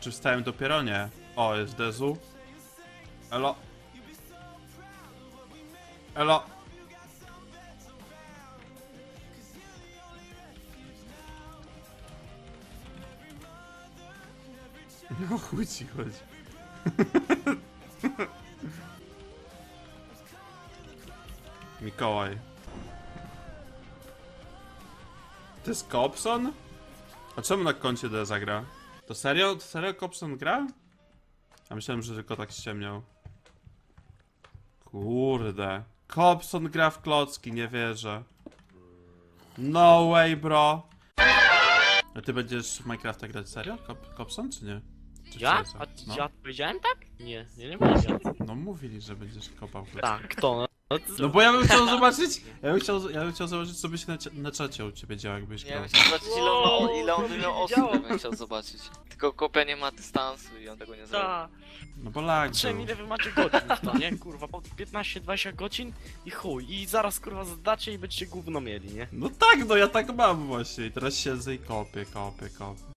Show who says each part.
Speaker 1: Czy wstałem dopiero? Nie. O, jest Dezu. Elo. Elo. No chuj ci chodzi. Mikołaj. To jest Kobson? A czemu na koncie D zagra? To serio? To serio Kobson gra? Ja myślałem, że tylko tak ściemniał. Kurde. Kobson gra w klocki, nie wierzę. No way, bro. A ty będziesz w Minecrafta grać serio? Kobson, czy nie? Czy
Speaker 2: Ja?
Speaker 1: co?
Speaker 2: A
Speaker 1: No.
Speaker 2: ja powiedziałem tak? Nie, nie powiedziałem.
Speaker 1: No mówili, że będziesz kopał klocki.
Speaker 2: Tak, kto?
Speaker 1: No bo ja bym chciał zobaczyć, ja bym chciał zobaczyć, co by się na czacie u ciebie działo, jakbyś
Speaker 3: Nie
Speaker 1: grał.
Speaker 3: wiem, chciał zobaczyć ile on by miał osób, bym chciał zobaczyć. Tylko kopia nie ma dystansu i on tego nie zrobi.
Speaker 2: Ta.
Speaker 1: No bo lag
Speaker 2: Patrzyłem
Speaker 1: był.
Speaker 2: ile wy macie godzin w to, nie? Kurwa, po 15-20 godzin i chuj. I zaraz kurwa zadacie i będziecie gówno mieli, nie?
Speaker 1: No tak, no ja tak mam właśnie i teraz siedzę i kopię.